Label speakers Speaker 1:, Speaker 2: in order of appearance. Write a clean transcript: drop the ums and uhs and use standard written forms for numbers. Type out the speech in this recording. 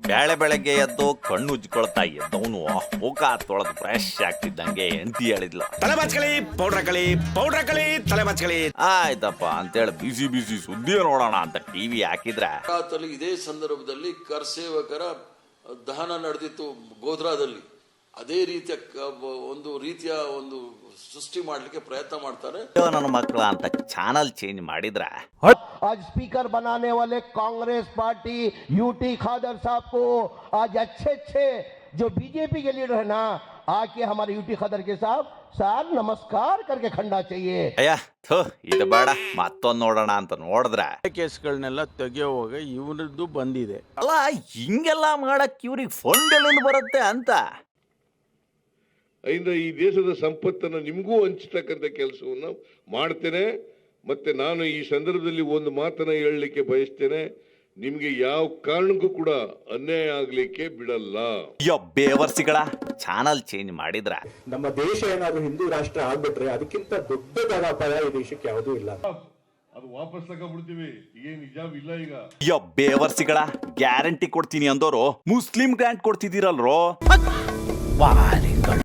Speaker 1: ಬೆಳಗ್ಗೆ ಎದ್ದು ಕಣ್ಣು ಉಜ್ಕೊಳ್ತಾ ಎದ್ದವನು ಮುಖ ತೊಳೆದು ಫ್ರೆಶ್ ಆಗ್ತಿದ್ದಂಗೆ ಹೆಂಡತಿ ಹೇಳಿದ್ಲು,
Speaker 2: ತಲೆ ಬಾಚ್ಕೊಳ್ಳಿ, ಪೌಡ್ರ್ ಹಾಕಳಿ, ತಲೆ ಬಾಚ್ಕೊಳ್ಳಿ.
Speaker 1: ಆಯ್ತಪ್ಪ ಅಂತೇಳಿ ಬಿಸಿ ಬಿಸಿ ಸುದ್ದಿ ನೋಡೋಣ ಅಂತ ಟಿವಿ ಹಾಕಿದ್ರೆ
Speaker 3: ಇದೇ ಸಂದರ್ಭದಲ್ಲಿ ಕರ್ಸೇವಕರ ದಹನ ನಡೆದಿತ್ತು ಗೋಧ್ರಾದಲ್ಲಿ. ಅದೇ ರೀತಿಯ ಒಂದು ಸೃಷ್ಟಿ ಮಾಡ್ಲಿಕ್ಕೆ ಪ್ರಯತ್ನ ಮಾಡ್ತಾರೆ
Speaker 1: ನನ್ನ ಮಕ್ಕಳ ಅಂತ ಚಾನಲ್ ಚೇಂಜ್ ಮಾಡಿದ್ರೆ
Speaker 4: आज स्पीकर बनाने वाले कांग्रेस पार्टी यूटी खादर साहब को आज अच्छे जो बीजेपी के लीडर है ना, आके हमारे यूटी खादर के साहब नमस्कार करके खंडा चाहिए.
Speaker 1: ಅಯ್ಯ ಥು ಇದು ಬೇಡ ಮತ್ತೊಂದು ನೋಡೋಣ ಅಂತ ನೋಡಿದ್ರೆ
Speaker 5: ಕೇಸ್ಗಳನ್ನೆಲ್ಲ ತೆಗೆಯುವಾಗ ಇವರದ್ದು ಬಂದಿದೆ.
Speaker 1: ಅಲ್ಲ ಹಿಂಗೆಲ್ಲ ಮಾಡಕ್ ಇವ್ರಿಗೆ ಫಂಡ್ ಎಲ್ಲಿಂದ ಬರುತ್ತೆ ಅಂತ.
Speaker 6: ಇಂದ ಈ ದೇಶದ ಸಂಪತ್ತನ್ನು ನಿಮಗೂ ಹಂಚತಕ್ಕಂಥ ಕೆಲಸವನ್ನು ಮಾಡ್ತೇನೆ. ಮತ್ತೆ ನಾನು ಈ ಸಂದರ್ಭದಲ್ಲಿ ಒಂದು ಮಾತನ್ನ ಹೇಳಲಿಕ್ಕೆ ಬಯಸ್ತೇನೆ, ನಿಮ್ಗೆ ಯಾವ ಕಾರಣಕ್ಕೂ ಕೂಡ ಅನ್ಯಾಯ ಆಗ್ಲಿಕ್ಕೆ ಬಿಡಲ್ಲ.
Speaker 1: ಅಯ್ಯೋ ಬೇವರ್ಸಿಗಳ ಚಾನಲ್ ಚೇಂಜ್ ಮಾಡಿದ್ರ
Speaker 7: ನಮ್ಮ ದೇಶ ಏನಾದ್ರು ಹಿಂದೂ ರಾಷ್ಟ್ರ ಆಗ್ಬಿಟ್ರೆ ಅದಕ್ಕಿಂತ ದೊಡ್ಡದಾದ ಅಪಾಯ ಈ ದೇಶಕ್ಕೆ ಯಾವುದೂ ಇಲ್ಲ.
Speaker 6: ಅದು ವಾಪಸ್ ತಗೊಂಡ್ಬಿಡ್ತೀವಿ, ಏನ್ ನಿಜಾಮ್ ಇಲ್ಲ ಈಗ.
Speaker 1: ಅಯ್ಯೋ ಬೇವರ್ಸಿಗಳ ಗ್ಯಾರಂಟಿ ಕೊಡ್ತೀನಿ ಅಂದೋರು ಮುಸ್ಲಿಂ ಗ್ರಾಂಟ್ ಕೊಡ್ತಿದ್ದೀರಲ್ರೋ.